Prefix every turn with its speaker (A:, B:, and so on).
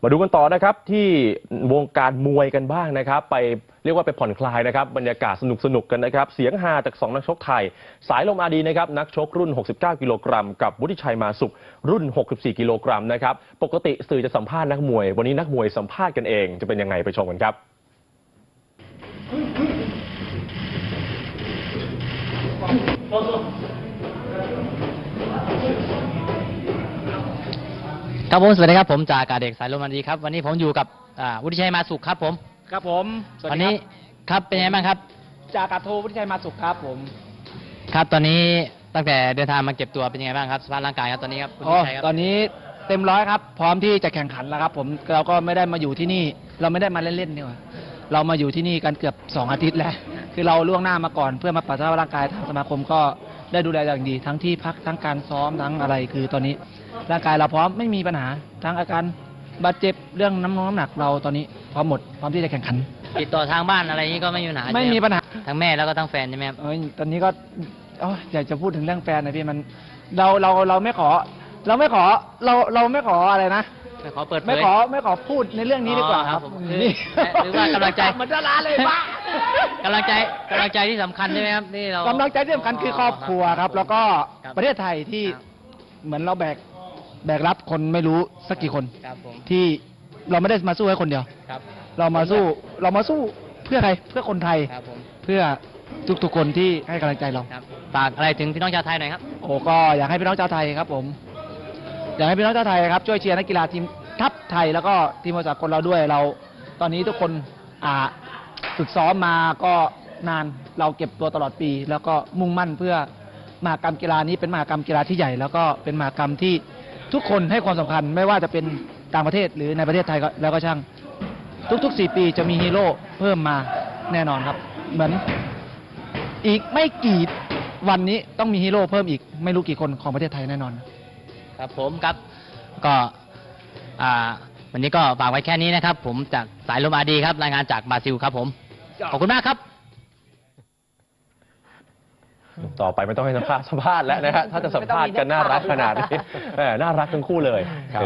A: มาดูกันต่อนะครับที่วงการมวยกันบ้างนะครับไปเรียกว่าไปผ่อนคลายนะครับบรรยากาศสนุกกันนะครับเสียงฮาจาก2นักชกไทยสายลมอาดีนะครับนักชกรุ่น69กิโลกรัมกับวุฒิชัยมาสุขรุ่น64กิโลกรัมนะครับปกติสื่อจะสัมภาษณ์นักมวยวันนี้นักมวยสัมภาษณ์กันเองจะเป็นยังไงไปชมกันครับ
B: ครับผมสวัสดีครับผมจากอากาศเด็กสายลมอาดีครับวันนี้ผมอยู่กับวุฒิชัยมาสุขครับผม
C: ครับผม
B: วันนี้ครับเป็นยังไงบ้างครับ
C: จากอากาศโทวุฒิชัยมาสุขครับผม
B: ครับตอนนี้ตั้งแต่เดินทางมาเก็บตัวเป็นยังไงบ้างครับสภาพร่างกายครับตอนนี้ครับคุณวุฒิชัยครับ
C: ตอนนี้เต็มร้อยครับพร้อมที่จะแข่งขันแล้วครับผมเราก็ไม่ได้มาอยู่ที่นี่เราไม่ได้มาเล่นๆนี่หว่าเรามาอยู่ที่นี่กันเกือบ2อาทิตย์แล้วคือเราล่วงหน้ามาก่อนเพื่อมาปรับสภาพร่างกายทางสมาคมก็ได้ดูแลอย่างดีทั้งที่พักทั้งการซ้อมทั้งอะไรคือตอนนี้ร่างกายเราพร้อมไม่มีปัญหาทั้งอาการบาดเจ็บเรื่องน้ำหนักเราตอนนี้พร้อมหมดพร้อมที่จะแข่งขัน
B: ติดต่อทางบ้านอะไรนี้ก็ไม่มีปัญหา
C: ไม่มีปัญหา
B: ทั้งแม่แล้วก็ทั้งแฟนใช่ไหมครับ
C: ตอนนี้ก็อยากจะพูดถึงเรื่องแฟนนะพี่มันเราไม่ขอเราไม่ขออะไรนะ
B: ไม่ขอเปิดเผย
C: ไม่ขอพูดในเรื่องนี้ดีกว่าครับ
B: นี่หรือว่ากำลังใจ
C: มันจะลาเลยบ้าก
B: ำลังใจที่สำคัญใช่ไหมครับนี่เรา
C: กำลังใจที่สำคัญคือครอบครัวครับแล้วก็ประเทศไทยที่เหมือนเราแบกรับคนไม่รู้สักกี่คนที่เราไม่ได้มาสู้ให้คนเดียวเรามาสู้เพื่อใครเพื่อคนไทยเพื่อทุกคนที่ให้กำลังใจเรา
B: ฝากอะไรถึงพี่น้องชาวไทยหน่อยครับ
C: ก็อยากให้พี่น้องชาวไทยครับผมอยากให้พี่น้องชาวไทยครับช่วยเชียร์นักกีฬาทีมทัพไทยแล้วก็ทีมมวยสากลเราด้วยเราตอนนี้ทุกคนฝึกซ้อมมาก็นานเราเก็บตัวตลอดปีแล้วก็มุ่งมั่นเพื่อมหกรรมกีฬานี้เป็นมหกรรมกีฬาที่ใหญ่แล้วก็เป็นมหกรรมที่ทุกคนให้ความสำคัญไม่ว่าจะเป็นต่างประเทศหรือในประเทศไทยแล้วก็ช่างทุกๆ4 ปีจะมีฮีโร่เพิ่มมาแน่นอนครับเหมือนอีกไม่กี่วันนี้ต้องมีฮีโร่เพิ่มอีกไม่รู้กี่คนของประเทศไทยแน่นอน
B: ครับผมครับก็วันนี้ก็ฝากไว้แค่นี้นะครับผมจากสายลมอาดีครับรายงานจากบราซิลครับผมขอบคุณมากครับ
A: ต่อไปไม่ต้องให้สัมภาษณ์แล้วนะฮะถ้าจะสัมภาษณ์กันน่ารักขนาดนี้น่ารักทั้งคู่เลย